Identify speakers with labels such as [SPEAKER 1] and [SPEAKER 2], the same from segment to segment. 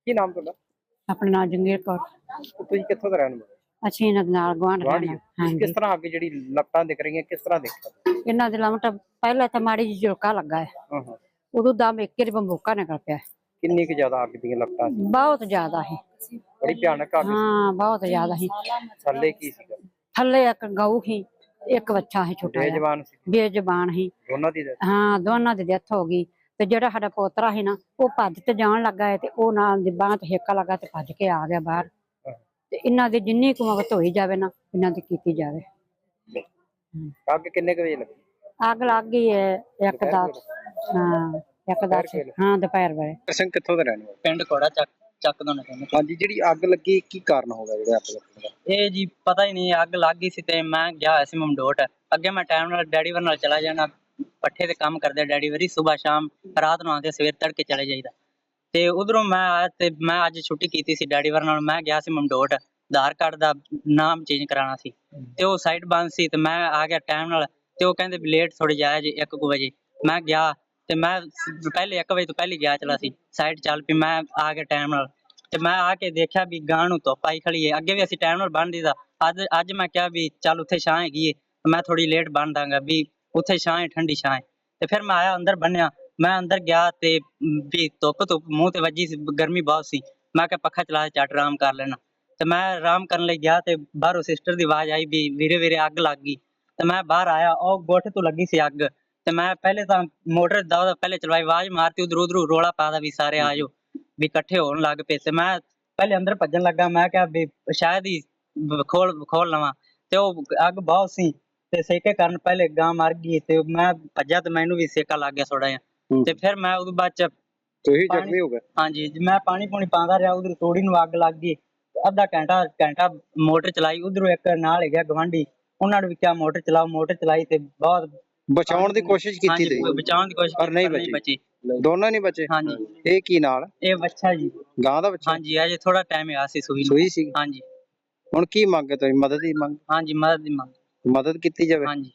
[SPEAKER 1] ਕੀ ਨਾਮ ਤੁਹਾਡਾ?
[SPEAKER 2] ਆਪਣਾ ਨਾਂ ਜੰਗੀਰ ਕੌਰ।
[SPEAKER 1] ਤੁਸੀਂ ਕਿੱਥੋਂ ਦੇ ਰਹਿਣ ਵਾਲੇ?
[SPEAKER 2] ਅਸੀਂ ਇਹਨਾਂ ਦੇ ਨਾਲ ਗੁਆਂਢ
[SPEAKER 1] ਗੁਆਂਢੀ
[SPEAKER 2] ਰਹਿਣਾ।
[SPEAKER 1] ਹੋ?
[SPEAKER 2] ਹਾਂਜੀ,
[SPEAKER 1] ਕਿਸ ਤਰ੍ਹਾਂ ਅੱਗ ਜਿਹੜੀ ਲਪਟਾਂ ਦਿਖ ਰਹੀਆਂ ਕਿਸ ਤਰ੍ਹਾਂ ਦੇਖਿਆ?
[SPEAKER 2] ਇਹਨਾਂ ਦੇ ਲਮਟ ਪਹਿਲਾਂ ਤਾਂ ਮਾੜੀ ਜਿਹੀ ਝੁਲਕਾ ਲੱਗਾ ਹੈ,
[SPEAKER 1] ਹਾਂ ਹਾਂ।
[SPEAKER 2] ਉਦੋਂ ਦਮ ਇੱਕ ਹੀ ਬੰਬੋਕਾ ਨਿਕਲ ਪਿਆ।
[SPEAKER 1] ਕਿੰਨੀ ਕੁ ਜ਼ਿਆਦਾ ਅੱਗ ਦੀਆਂ ਲਪਟਾਂ ਸੀ?
[SPEAKER 2] ਬਹੁਤ ਜ਼ਿਆਦਾ ਸੀ।
[SPEAKER 1] ਬੜੀ ਭਿਆਨਕ ਅੱਗ ਸੀ।
[SPEAKER 2] ਹਾਂ, ਬਹੁਤ ਜ਼ਿਆਦਾ ਸੀ।
[SPEAKER 1] ਥੱਲੇ ਕੀ ਸੀਗਾ?
[SPEAKER 2] ਥੱਲੇ ਇੱਕ ਗਊ ਸੀ, ਇੱਕ ਬੱਚਾ ਸੀ ਛੋਟਾ ਜਿਹਾ,
[SPEAKER 1] ਬੇਜ਼ਬਾਨ ਸੀ?
[SPEAKER 2] ਬੇਜ਼ਬਾਨ ਸੀ।
[SPEAKER 1] ਦੋਨਾਂ ਦੀ death?
[SPEAKER 2] ਹਾਂ, ਦੋਨਾਂ ਦੀ ਡੈਥ ਹੋ ਗਈ। ਤੇ ਜਿਹੜਾ ਸਾਡਾ ਪੋਤਰਾ ਸੀ ਨਾ, ਉਹ ਭੱਜ ਤੇ ਜਾਣ ਲੱਗਾ ਹੈ ਤੇ ਉਹ ਨਾਲ ਦੀ ਬਾਂਹ ਤੇ ਹੇਕਾ ਲੱਗਾ ਤੇ ਭੱਜ ਕੇ ਆ ਗਿਆ ਬਾਹਰ। ਤੇ ਇਹਨਾਂ ਦੀ ਜਿੰਨੀ ਕੁ ਮਦਦ ਹੋਈ ਜਾਵੇ ਨਾ, ਇਹਨਾਂ ਦੀ ਕੀਤੀ ਜਾਵੇ।
[SPEAKER 1] ਅੱਗ ਕਿੰਨੇ ਕੁ ਵਜੇ ਲੱਗੀ?
[SPEAKER 2] ਅੱਗ ਲੱਗ ਗਈ ਹੈ ਇੱਕ ਦਾ, ਹਾਂ ਇੱਕ ਦਾ, ਹਾਂ ਦੁਪਹਿਰ ਵੇਲੇ।
[SPEAKER 1] ਸਿੰਘ ਕਿੱਥੋਂ ਦੇ ਰਹਿਣ ਵਾਲੇ?
[SPEAKER 3] ਪਿੰਡ ਕੋੜਾ ਚੱਕ ਦੋ ਨਾ ਕਹਿੰਦੇ।
[SPEAKER 1] ਹਾਂਜੀ, ਜਿਹੜੀ ਅੱਗ ਲੱਗੀ ਕੀ ਕਾਰਨ ਹੋ ਗਿਆ ਜਿਹੜਾ ਅੱਗ ਲੱਗਣ ਦਾ?
[SPEAKER 3] ਇਹ ਜੀ ਪਤਾ ਹੀ ਨਹੀਂ, ਅੱਗ ਲੱਗ ਗਈ ਸੀ ਤੇ ਮੈਂ ਗਿਆ ਹੋਇਆ ਸੀ ਮਮਡੋਟ। ਅੱਗੇ ਮੈਂ ਟਾਈਮ ਨਾਲ ਡੈਡੀ ਵਰ ਨਾਲ ਚਲਾ ਜਾਣਾ, ਪੱਠੇ ਤੇ ਕੰਮ ਕਰਦੇ ਡੈਡੀ ਵਰੀ, ਸਵੇਰ ਸ਼ਾਮ ਰਾਤ ਨੂੰ ਆਉਂਦੇ, ਸਵੇਰ ਤੜਕੇ ਚਲੇ ਜਾਈਦਾ। ਤੇ ਉਧਰੋਂ ਮੈਂ ਆਇਆ ਤੇ ਮੈਂ ਅੱਜ ਛੁੱਟੀ ਕੀਤੀ ਸੀ ਡੈਡੀ ਵਰ ਨਾਲ। ਮੈਂ ਗਿਆ ਸੀ ਮਮਡੋਟ, ਆਧਾਰ ਕਾਰਡ ਦਾ ਨਾਮ ਚੇਂਜ ਕਰਾਉਣਾ ਸੀ ਤੇ ਉਹ ਸਾਈਟ ਬੰਦ ਸੀ ਤੇ ਮੈਂ ਆ ਗਿਆ ਟਾਈਮ ਨਾਲ। ਤੇ ਉਹ ਕਹਿੰਦੇ ਵੀ ਲੇਟ ਥੋੜੀ ਜਾਇਆ ਜੀ 1 ਵਜੇ। ਮੈਂ ਗਿਆ ਤੇ ਮੈਂ ਪਹਿਲੇ 1 ਵਜੇ ਤੋਂ ਪਹਿਲੇ ਗਿਆ ਚਲਾ ਸੀ, ਸਾਈਟ ਚੱਲ ਪਈ, ਮੈਂ ਆ ਗਿਆ ਟਾਈਮ ਨਾਲ। ਤੇ ਮੈਂ ਆ ਕੇ ਦੇਖਿਆ ਵੀ ਗਾਂ ਨੂੰ ਧੁੱਪ ਆਈ ਖੜੀ ਹੈ। ਅੱਗੇ ਵੀ ਅਸੀਂ ਟਾਈਮ ਨਾਲ ਬੰਨ ਦੀਦਾ, ਅੱਜ ਮੈਂ ਕਿਹਾ ਵੀ ਚੱਲ ਉੱਥੇ ਛਾਂ ਹੈਗੀ ਏ, ਮੈਂ ਥੋੜੀ ਲੇਟ ਬੰਨ ਦਾਂਗਾ ਵੀ ਉੱਥੇ ਛਾਂ ਹੈ, ਠੰਡੀ ਛਾਂ ਹੈ। ਤੇ ਫਿਰ ਮੈਂ ਆਇਆ ਅੰਦਰ ਬੰਨਿਆ, ਮੈਂ ਅੰਦਰ ਗਿਆ ਤੇ ਵੀ ਧੁੱਪ ਮੂੰਹ ਤੇ ਵੱਜੀ ਸੀ, ਗਰਮੀ ਬਹੁਤ ਸੀ। ਮੈਂ ਕਿਹਾ ਪੱਖਾ ਚਲਾ ਕੇ ਝੱਟ ਆਰਾਮ ਕਰ ਲੈਣਾ। ਤੇ ਮੈਂ ਆਰਾਮ ਕਰਨ ਲਈ ਗਿਆ ਤੇ ਬਾਹਰੋਂ ਸਿਸਟਰ ਦੀ ਆਵਾਜ਼ ਆਈ ਵੀ ਵੀਰੇ ਵੀਰੇ ਅੱਗ ਲੱਗ ਗਈ। ਤੇ ਮੈਂ ਬਾਹਰ ਆਇਆ, ਉਹ ਗੋਠੇ ਤੋਂ ਲੱਗੀ ਸੀ ਅੱਗ। ਤੇ ਮੈਂ ਪਹਿਲੇ ਤਾਂ ਮੋਟਰ ਦਾ ਪਹਿਲੇ ਚਲਵਾਈ, ਆਵਾਜ਼ ਮਾਰਤੀ, ਉਧਰੋਂ ਰੋਲਾ ਪਾਦਾ ਵੀ ਸਾਰੇ ਆ ਜਾਓ, ਵੀ ਇਕੱਠੇ ਹੋਣ ਲੱਗ ਪਏ। ਤੇ ਮੈਂ ਪਹਿਲੇ ਅੰਦਰ ਭੱਜਣ ਲੱਗਾ, ਮੈਂ ਕਿਹਾ ਵੀ ਸ਼ਾਇਦ ਹੀ ਖੋਲ ਲਵਾਂ। ਤੇ ਉਹ ਅੱਗ ਬਹੁਤ ਸੀ ਤੇ ਸੇਕੇ ਕਾਰਨ ਪਹਿਲੇ ਗਾਂ ਮਰ ਗਈ ਤੇ ਮੈਂ ਭੱਜਾ ਤੇ ਮੈਨੂੰ ਵੀ ਸੇਕਾ ਲੱਗ ਗਿਆ ਥੋੜਾ ਜਿਹਾ। ਤੇ ਫਿਰ ਮੈਂ ਉਹਦੇ ਬਾਅਦ ਚ
[SPEAKER 1] ਤੁਸੀਂ ਜ਼ਖਮੀ ਹੋ ਗਏ?
[SPEAKER 3] ਹਾਂਜੀ, ਮੈਂ ਪਾਣੀ ਪੂਣੀ ਪਾਉਂਦਾ ਰਿਹਾ, ਉਧਰ ਤੋੜੀ ਨੂੰ ਅੱਗ ਲੱਗ ਗਈ। ਅੱਧਾ ਘੰਟਾ ਮੋਟਰ ਚਲਾਈ, ਉਧਰੋਂ ਇੱਕ ਨਾਲ ਹੈਗਾ ਗਵਾਂਢੀ, ਉਹਨਾਂ ਨੇ ਵੀ ਕਿਹਾ ਮੋਟਰ ਚਲਾਓ, ਮੋਟਰ ਚਲਾਈ ਤੇ ਬਹੁਤ
[SPEAKER 1] ਬਚਾਉਣ ਦੀ ਕੋਸ਼ਿਸ਼ ਕੀਤੀ
[SPEAKER 3] ਹਾਂਜੀ,
[SPEAKER 1] ਤੇ
[SPEAKER 3] ਬਚਾਉਣ ਦੀ ਕੋਸ਼ਿਸ਼
[SPEAKER 1] ਪਰ ਨਹੀਂ
[SPEAKER 3] ਬਚੀ।
[SPEAKER 1] ਦੋਨੋਂ ਨਹੀਂ ਬਚੇ?
[SPEAKER 3] ਹਾਂਜੀ।
[SPEAKER 1] ਇਹ ਕੀ ਨਾਲ?
[SPEAKER 3] ਇਹ ਬੱਚਾ ਜੀ,
[SPEAKER 1] ਗਾਂ ਦਾ ਬੱਚਾ?
[SPEAKER 3] ਹਾਂਜੀ, ਅਜੇ ਥੋੜਾ ਟਾਈਮ ਆ ਸੀ ਸੂਈ ਨੂੰ।
[SPEAKER 1] ਸੂਈ ਸੀ?
[SPEAKER 3] ਹਾਂਜੀ
[SPEAKER 1] ਹੁਣ ਕੀ ਮੰਗ ਹੈ ਤੁਹਾਡੀ? ਮਦਦ ਦੀ ਮੰਗ?
[SPEAKER 3] ਹਾਂਜੀ, ਮਦਦ ਦੀ ਮੰਗ।
[SPEAKER 1] ਮਦਦ ਕੀਤੀ ਜਾਵੇ?
[SPEAKER 3] ਹਾਂਜੀ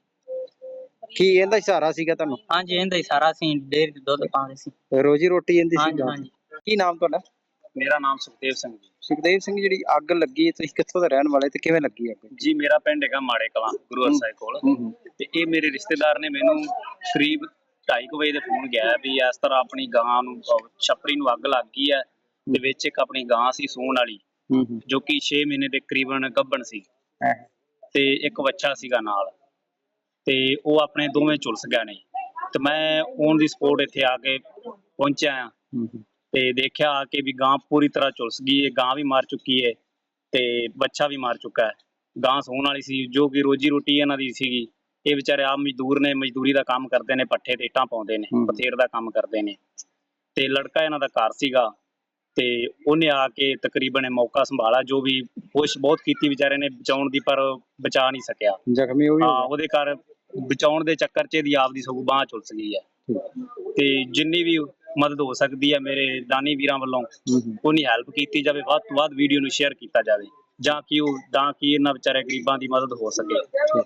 [SPEAKER 1] ਕੀ ਇਹਦਾ ਹੀ ਸਹਾਰਾ ਸੀਗਾ ਤੁਹਾਨੂੰ?
[SPEAKER 3] ਹਾਂਜੀ, ਇਹਦਾ ਹੀ ਸਾਰਾ ਸੀ, ਡੇਅਰੀ ਤੇ ਦੁੱਧ ਪਾਉਂਦੇ ਸੀ।
[SPEAKER 1] ਰੋਜੀ ਰੋਟੀ ਇਹਦੀ ਸੀ?
[SPEAKER 3] ਹਾਂਜੀ ਹਾਂਜੀ।
[SPEAKER 1] ਕੀ ਨਾਮ ਤੁਹਾਡਾ?
[SPEAKER 4] ਮੇਰਾ ਨਾਮ ਸੁਖਦੇਵ ਸਿੰਘ ਜੀ।
[SPEAKER 1] ਸੁਖਦੇਵ ਸਿੰਘ, ਜਿਹੜੀ ਅੱਗ ਲੱਗੀ ਤੁਸੀਂ ਕਿੱਥੋਂ ਦੇ ਰਹਿਣ ਵਾਲੇ ਤੇ ਕਿਵੇਂ ਲੱਗੀ ਅੱਗ?
[SPEAKER 4] ਜੀ ਮੇਰਾ ਪਿੰਡ ਹੈਗਾ ਮਾੜੇ ਕਲਾਂ, ਗੁਰੂ ਹਰਸਾਏ ਕੋਲ। ਤੇ ਇਹ ਮੇਰੇ ਰਿਸ਼ਤੇਦਾਰ ਨੇ ਮੈਨੂੰ ਕਰੀਬ 2:30 ਵਜੇ ਦੇ ਫੋਨ ਗਿਆ ਵੀ ਇਸ ਤਰ੍ਹਾਂ ਆਪਣੀ ਗਾਂ ਨੂੰ ਛੱਪੜੀ ਨੂੰ ਅੱਗ ਲੱਗ ਗਈ ਹੈ। ਤੇ ਵਿੱਚ ਇੱਕ ਆਪਣੀ ਗਾਂ ਸੀ ਸੂਣ ਵਾਲੀ, ਜੋ ਕਿ 6 ਮਹੀਨੇ ਦੇ ਕਰੀਬਨ ਗੱਭਣ ਸੀ ਤੇ ਇੱਕ ਬੱਚਾ ਸੀਗਾ ਨਾਲ। ਤੇ ਉਹ ਆਪਣੇ ਦੋਵੇਂ ਝੁਲਸ ਗਏ ਨੇ। ਤੇ ਮੈਂ ਔਨ ਦੀ ਸਪੋਟ ਇੱਥੇ ਆ ਕੇ ਪਹੁੰਚਿਆ ਆ ਤੇ ਦੇਖਿਆ ਆ ਕੇ ਵੀ ਗਾਂ ਪੂਰੀ ਤਰ੍ਹਾਂ ਝੁਲਸ ਗਈ ਹੈ। ਗਾਂ ਵੀ ਮਰ ਚੁੱਕੀ ਹੈ ਤੇ ਬੱਚਾ ਵੀ ਮਰ ਚੁੱਕਾ ਹੈ। ਗਾਂ ਸੂਣ ਵਾਲੀ ਸੀ, ਜੋ ਕਿ ਰੋਜੀ ਰੋਟੀ ਇਹਨਾਂ ਦੀ ਸੀਗੀ। ਇਹ ਵਿਚਾਰੇ ਆਪ ਮਜ਼ਦੂਰ ਨੇ, ਮਜ਼ਦੂਰੀ ਦਾ ਕੰਮ ਕਰਦੇ ਨੇ, ਪੱਠੇ ਤੇ ਇੱਟਾਂ ਪਾਉਂਦੇ ਨੇ, ਪਥੇਰ ਦਾ ਕੰਮ ਕਰਦੇ ਨੇ। ਤੇ ਲੜਕਾ ਇਹਨਾਂ ਦਾ ਘਰ ਸੀਗਾ ਤੇ ਉਹਨੇ ਆ ਕੇ ਤਕਰੀਬਨ ਮੌਕਾ ਸੰਭਾਲਾ, ਜੋ ਵੀ ਕੋਸ਼ਿਸ਼ ਬਹੁਤ ਕੀਤੀ ਵਿਚਾਰੇ ਨੇ ਬਚਾਉਣ ਦੀ, ਪਰ ਬਚਾ ਨਹੀਂ ਸਕਿਆ।
[SPEAKER 1] ਜ਼ਖਮੀ ਹੋ
[SPEAKER 4] ਹਾਂ, ਉਹਦੇ ਘਰ ਬਚਾਉਣ ਦੇ ਚੱਕਰ 'ਚ ਇਹਦੀ ਆਪਦੀ ਸਗੋਂ ਬਾਂਹ ਝੁਲਸ ਗਈ ਹੈ। ਤੇ ਜਿੰਨੀ ਵੀ ਮਦਦ ਹੋ ਸਕਦੀ ਹੈ ਮੇਰੇ ਦਾਨੀ ਵੀਰਾਂ ਵੱਲੋਂ, ਉਹਨੀ ਹੈਲਪ ਕੀਤੀ ਜਾਵੇ। ਵੱਧ ਤੋਂ ਵੱਧ ਵੀਡੀਓ ਨੂੰ ਸ਼ੇਅਰ ਕੀਤਾ ਜਾਵੇ, ਜਾਂ ਕਿ ਇਹਨਾਂ ਵਿਚਾਰੇ ਗਰੀਬਾਂ ਦੀ ਮਦਦ ਹੋ ਸਕੇ।